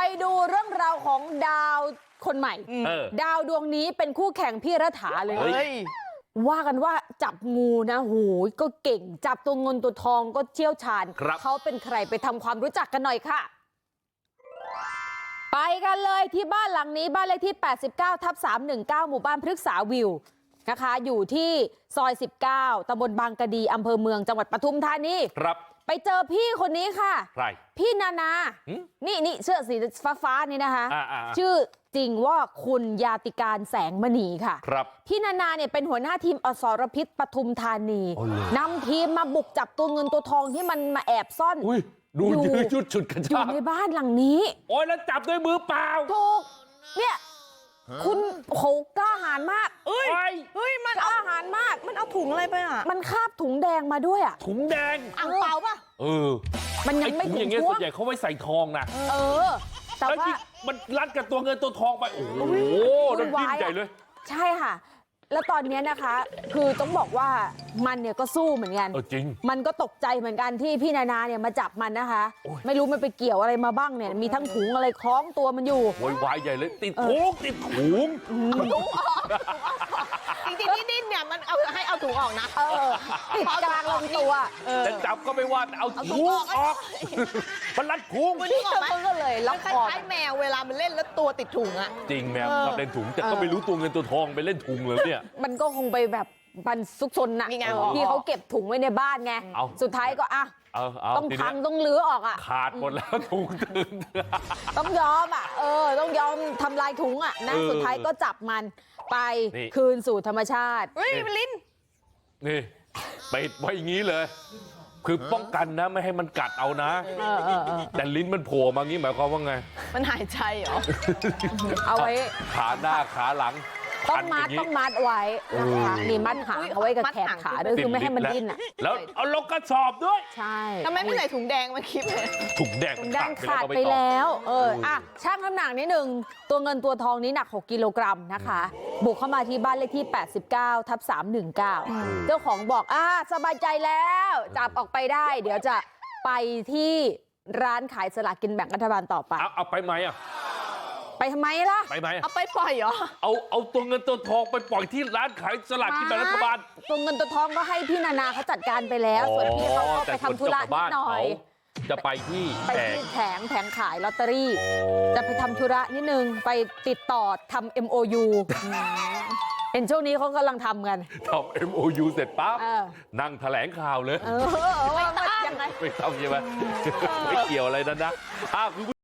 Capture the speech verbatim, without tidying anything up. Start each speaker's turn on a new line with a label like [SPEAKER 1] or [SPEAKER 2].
[SPEAKER 1] ดูเรื่องราวของดาวคนใหม่ดาวดวงนี้เป็นคู่แข่งพี่รัฐาเลยว่ากันว่าจับงูนะโหก็เก่งจับตัวเงินตัวทองก็เชี่ยวชาญเขาเป็นใครไปทำความรู้จักกันหน่อยค่ะไปกันเลยที่บ้านหลังนี้บ้านเลขที่แปดสิบเก้าทับสามหนึ่งเก้าหมู่บ้านพฤกษาวิวนะคะอยู่ที่ซอยสิบเก้าตำบลบางกะดีอำเภอเมืองจังหวัดปทุมธานีครับไปเจอพี่คนนี้ค่ะใครพี่นานานี่นี่เสื้อสีฟ้าฟ้านี่นะคะชื่อจริงว่าคุณยาติการแสงมณีค่ะครับพี่นานาเนี่ยเป็นหัวหน้าทีมอสรพิษปทุมธานีนำทีมมาบุกจับตัวเงินตัวทองที่มันมาแอบซ่อน
[SPEAKER 2] ดูยืดชุดชุดกระชาก
[SPEAKER 1] อยู่ในบ้านหลังนี้
[SPEAKER 2] โอ้ยแล้วจับด้วยมือเปล่า
[SPEAKER 1] ถูกเนี่ยคุณโหกล้าหาญมาก
[SPEAKER 3] เอ้ยเฮ้ยมัน
[SPEAKER 1] กล้าหาญมาก
[SPEAKER 3] มันเอาถุงอะไรไปอ่ะ
[SPEAKER 1] มันคาบถุงแดงมาด้วยอ่ะ
[SPEAKER 2] ถุงแดง
[SPEAKER 3] อ่างเปล่าป่ะ
[SPEAKER 2] เออ
[SPEAKER 1] มันยังไม่
[SPEAKER 2] ถุงอย่างเงี้ยส่วนใหญ่เขาไว้ใส่ทองนะ
[SPEAKER 1] เออ
[SPEAKER 2] แต่ว่ามันรัดกับตัวเงินตัวทองไปโอ้โหนั่นยิ่งใหญ่เลย
[SPEAKER 1] ใช่ค่ะแล้วตอนนี้นะคะคือต้องบอกว่ามันเนี่ยก็สู้เหมือนกัน
[SPEAKER 2] จริง
[SPEAKER 1] มันก็ตกใจเหมือนกันที่พี่นานาเนี่ยมาจับมันนะคะไม่รู้มันไปเกี่ยวอะไรมาบ้างเนี่ยมีทั้งถุงอะไรคล้องตัวมันอยู่
[SPEAKER 2] โวยวายใหญ่เลยติดถุงติดถุง
[SPEAKER 3] ถุงออกจริงๆนี่ดิ้นเนี่ยมันเอาให้เอาถุงออกนะ
[SPEAKER 1] เออติดกลางลำตัว
[SPEAKER 2] แต่จับก็ไม่ว่าเอาถุงออกมันรัดถุง
[SPEAKER 1] นี่ก็เลยล็อกคอ
[SPEAKER 3] แมวเวลามันเล่นแล้วตัวติดถุงอะ
[SPEAKER 2] จริงแมวชอบเล่นถุงแต่ก็ไม่รู้ตัวเงินตัวทองไปเล่นถุงเลยเนี่ย
[SPEAKER 1] มันก็คงไปแบบมันซุกซนน่ะพี่เขาเก็บถุงไว้ในบ้านไงสุดท้ายก็อ่ะต้องพังต้องลื้อออกอ่ะ
[SPEAKER 2] ขาดหมดแล้วถุงตึง
[SPEAKER 1] ต้องยอมอ่ะเออต้องยอมทำลายถุงอ่ะนะสุดท้ายก็จับมันไปคืนสู่ธรรมชาติ
[SPEAKER 3] เฮ้ยลิ้น
[SPEAKER 2] นี่ไปไว้อย่างนี้เลยคือป้องกันนะไม่ให้มันกัดเอานะแต่ลิ้นมันโผล่มางี้หมายความว่าไง
[SPEAKER 3] มันหายใจเหรอ
[SPEAKER 1] เอาไว้
[SPEAKER 2] ขาหน้าขาหลัง
[SPEAKER 1] ต้องมัดต้องมัดไว้นะคะมีมัดหางเอาไว้กับแขนขาด้วยคือไม่ให้มันดิ้นอ่ะ
[SPEAKER 2] แล้วเอาลงกระสอบด้วย
[SPEAKER 1] ใช่
[SPEAKER 3] ทำไมไม่ใส่ถุงแดงมาคิดเลย
[SPEAKER 2] ถุงแดง
[SPEAKER 1] ถุงแดงขาดไปแล้วเอออ่ะช่างน้ำหนักนิดนึงตัวเงินตัวทองนี้หนักหกกิโลกรัมนะคะบุกเข้ามาที่บ้านเลขที่แปดสิบเก้าทับสามหนึ่งเก้าเจ้าของบอกอ่ะสบายใจแล้วจับออกไปได้เดี๋ยวจะไปที่ร้านขายสลากกินแบ่งรัฐบาลต่อไป
[SPEAKER 2] เอาเอาไปไหมอ่ะ
[SPEAKER 1] ไปทำไมล่ะ
[SPEAKER 2] ไปไหม
[SPEAKER 3] เอาไปปล่อยเหรอ
[SPEAKER 2] เอาเอาตัวเงินตัวทองไปปล่อยที่ร้านขายสลากกินแบ่งรัฐบาล
[SPEAKER 1] ตัวเงินตัวทองก็ให้พี่นานาเขาจัดการไปแล้วส่วนพี่เขาก็ไปทำธุระนิดหน่อย
[SPEAKER 2] จะไปที่
[SPEAKER 1] ไปที่แผงแผงขายลอตเตอรี่จะไปทำธุระนิดนึงไปติดต่อทำ เอ็ม โอ ยู เห็นช่วงนี้เขากำลังทำกัน
[SPEAKER 2] ทำ เอ็ม โอ ยู เสร็จปั๊บนั่งแถลงข่าวเลย
[SPEAKER 1] เออว่ายังไง
[SPEAKER 2] ไม่ต้องใช่ไหมไม่เกี่ยวอะไรนั้นนะ